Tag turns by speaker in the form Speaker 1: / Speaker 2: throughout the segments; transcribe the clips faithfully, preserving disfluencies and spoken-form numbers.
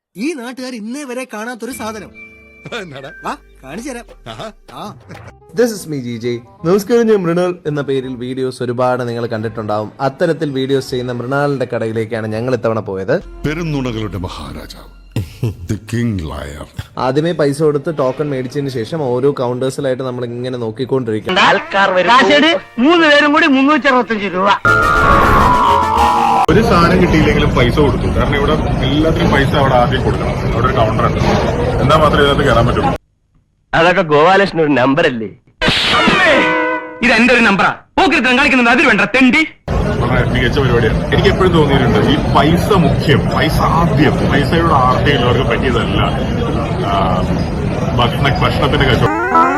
Speaker 1: ഈ നാട്ടുകാർ ഇന്നേ വരെ കാണാത്തൊരു സാധനം. വാ കാണിച്ചു തരാം.
Speaker 2: This is me G J. നമസ്കാരം, ഞാൻ മൃണാൾ എന്ന പേരിൽ വീഡിയോസ് ഒരുപാട് നിങ്ങൾ കണ്ടിട്ടുണ്ടാവും. അത്തരത്തിൽ വീഡിയോസ് ചെയ്യുന്ന മൃണാളിന്റെ കടയിലേക്കാണ് ഞങ്ങൾ ഇത്തവണ പോയത്.
Speaker 3: പെരുന്നുണകളുടെ മഹാരാജാവ്, ദി കിങ് ലയർ.
Speaker 2: ആദ്യമേ പൈസ കൊടുത്ത് ടോക്കൺ മേടിച്ചതിന് ശേഷം ഓരോ കൗണ്ടേഴ്സിലായിട്ട് നമ്മൾ ഇങ്ങനെ നോക്കിക്കൊണ്ടിരിക്കും.
Speaker 4: മൂന്ന് പേരും കൂടി മുന്നൂറ്റി അറുപത്തഞ്ച് രൂപ.
Speaker 5: ഒരു സാധനം കിട്ടിയില്ലെങ്കിലും പൈസ കൊടുത്തു. കാരണം ഇവിടെ എല്ലാത്തിനും പൈസ അവിടെ ആദ്യം കൊടുക്കണം. അവിടെ ഒരു കൗണ്ടർ ഉണ്ട്. എന്നാ മാത്രമേ ഇതിനകത്ത് കയറാൻ പറ്റുള്ളൂ.
Speaker 4: അതൊക്കെ ഗോപാലകൃഷ്ണൻ ഒരു നമ്പറല്ലേ? ഇത് എന്റെ ഒരു നമ്പറാ. പോക്കിരുത്തം കളിക്കുന്നത് അതിൽ വേണ്ട തെണ്ടി.
Speaker 5: വളരെ മികച്ച പരിപാടിയാണ്. എനിക്ക് എപ്പോഴും തോന്നിയിട്ടുണ്ട് ഈ പൈസ മുഖ്യം, പൈസ ആദ്യം, പൈസയുടെ ആർത്തിയുള്ളവർക്ക് പറ്റിയതല്ല ഭക്ഷണ ഭക്ഷണത്തിന്റെ കച്ചവടം.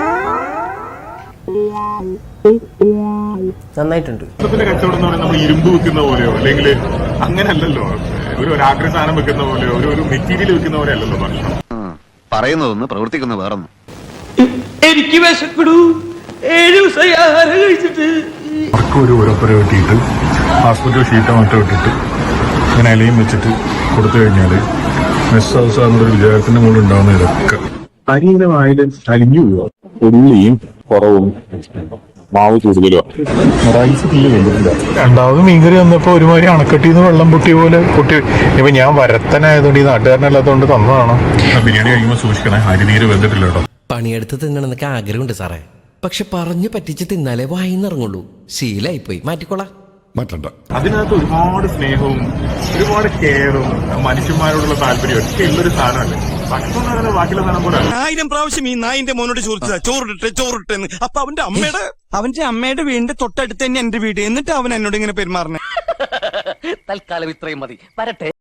Speaker 2: നന്നായിട്ടുണ്ട്.
Speaker 5: ഭക്ഷണത്തിന്റെ കച്ചവടം എന്ന് പറയുന്നത് നമ്മൾ ഇരുമ്പ് വെക്കുന്ന പോലെയോ അല്ലെങ്കിൽ അങ്ങനെയല്ലല്ലോ. ഒരു ഒരാഗ്രഹ സാധനം വെക്കുന്ന പോലെയോ ഒരു ഒരു മെറ്റീരിയൽ വെക്കുന്ന പോലെ അല്ലല്ലോ ഭക്ഷണം.
Speaker 6: പറയുന്നതൊന്ന് പ്രവർത്തിക്കുന്ന വേറൊന്നും.
Speaker 4: എനിക്ക് വിശക്കടൂ. ഏഴ് ദിവസമായി ആഹാരം കഴിച്ചിട്ട്.
Speaker 5: അവർക്ക് ഒരു ഉരപ്പുര വെട്ടിയിട്ട് ഹോസ്പിറ്റൽ ഷീറ്റോ മറ്റോ ഇട്ടിട്ട് ഇങ്ങനെ ഇലയും വെച്ചിട്ട് കൊടുത്തു കഴിഞ്ഞാൽ മെസ് ഹൗസ് ആകുന്നൊരു വിചാരത്തിന്റെ മുകളിൽ ഉണ്ടാകുന്ന ഇതൊക്കെ അരിയുടെ വായിൽ അരിഞ്ഞു പോവുക. ഉള്ളിയും കുറവും മാവ് കൂടുതലുമാണ്. റൈസ് തീരെ വെന്തിട്ടില്ല. രണ്ടാമത് മീൻകറി വന്നപ്പോ ഒരുമാതിരി അണക്കെട്ടിന്ന് വെള്ളം പൊട്ടിയ പോലെ പൊട്ടി. ഇപ്പൊ ഞാൻ വരത്തനായതുകൊണ്ട് ഈ നാട്ടുകാരനല്ലാത്തതുകൊണ്ട് തന്നതാണ്. ബിരിയാണി കഴിക്കുമ്പോൾ സൂക്ഷിക്കണേ, അരി തീരെ വെന്തിട്ടില്ല കേട്ടോ.
Speaker 7: പണിയെടുത്ത് തിന്നണമെന്നൊക്കെ ആഗ്രഹമുണ്ട് സാറേ, പക്ഷെ പറഞ്ഞു പറ്റിച്ച് തിന്നാലേ വായിന്നിറങ്ങുള്ളൂ. ശീലായിപ്പോയി, മാറ്റിക്കോളാം.
Speaker 3: മാറ്റണ്ട.
Speaker 5: അതിനകത്ത് ഒരുപാട് സ്നേഹവും ഒരുപാട് കെയറും മനുഷ്യന്മാരോടുള്ള താല്പര്യം ഒക്കെ ഉള്ളൊരു സാധനമല്ലേ. ഭക്ഷണം എന്ന് പറയുന്നത് ബാക്കിയുള്ള സാധനം പോലെ
Speaker 8: ആയിരം പ്രാവശ്യം ഈ നായിന്റെ മോനോട് ചോദിച്ചതാ ചോറിട്ടെ ചോറിട്ടെന്ന്. അപ്പൊ അവന്റെ അമ്മയുടെ അവന്റെ അമ്മയുടെ വീടിന്റെ തൊട്ടടുത്ത് തന്നെ എന്റെ വീട്. എന്നിട്ട് അവൻ എന്നോട് ഇങ്ങനെ പെരുമാറണേ.
Speaker 4: തൽക്കാലം ഇത്രയും മതി. വരട്ടെ.